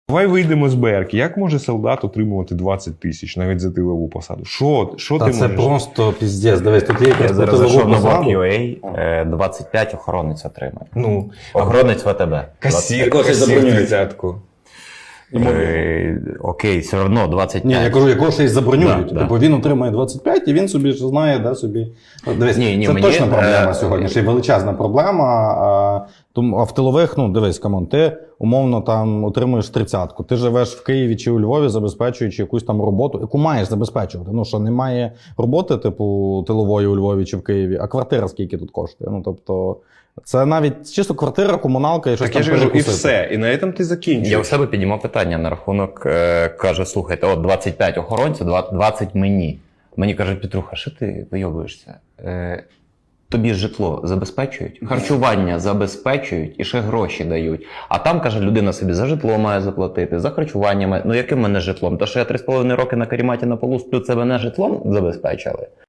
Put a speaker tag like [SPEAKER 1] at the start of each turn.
[SPEAKER 1] Давай вийдемо з БРки. Як може солдат отримувати 20 тисяч навіть за тилову посаду? Що
[SPEAKER 2] Та
[SPEAKER 1] ти
[SPEAKER 2] це
[SPEAKER 1] можеш?
[SPEAKER 2] просто піздець. Дивись, тут є
[SPEAKER 3] Я
[SPEAKER 2] якась
[SPEAKER 3] зараз зайшов
[SPEAKER 2] тилову
[SPEAKER 3] на
[SPEAKER 2] посаду.
[SPEAKER 3] Work.ua, 25 охоронець отримає.
[SPEAKER 1] Ну,
[SPEAKER 3] Охоронець ВТБ.
[SPEAKER 1] касір,
[SPEAKER 4] Когось
[SPEAKER 1] касір
[SPEAKER 4] забронюють.
[SPEAKER 1] 30-ку.
[SPEAKER 3] Окей, все одно 25.
[SPEAKER 2] Ні, я кажу, якого ще й забронюють.
[SPEAKER 3] Да,
[SPEAKER 2] Типу він отримає 25 і він собі ж знає, де собі. Дивись,
[SPEAKER 3] Ні,
[SPEAKER 2] це
[SPEAKER 3] мені,
[SPEAKER 2] точно проблема сьогодні, ще й величезна проблема. А в тилових, ну дивись, камон, ти умовно там отримуєш 30-ку. Ти живеш в Києві чи у Львові, забезпечуючи якусь там роботу, яку маєш забезпечувати. Ну що немає роботи, типу, тилової у Львові чи в Києві, а квартира скільки тут коштує. Ну тобто, це навіть чисто квартира, комуналка і щось
[SPEAKER 1] Так я
[SPEAKER 2] там
[SPEAKER 1] ж кажу, і
[SPEAKER 2] перекусити.
[SPEAKER 1] все. І на цьому ти закінчуєш.
[SPEAKER 3] Я у себе піднімав питання на рахунок, каже, слухайте, от 25 охоронців, 20 мені. Мені кажуть, Петруха, що ти вийобуєшся? Тобі житло забезпечують, харчування забезпечують і ще гроші дають. А там, каже, людина собі за житло має заплатити, за харчування має. Ну яким мене житлом? Та що я 3,5 роки на каріматі на полу сплю, це мене житлом забезпечили?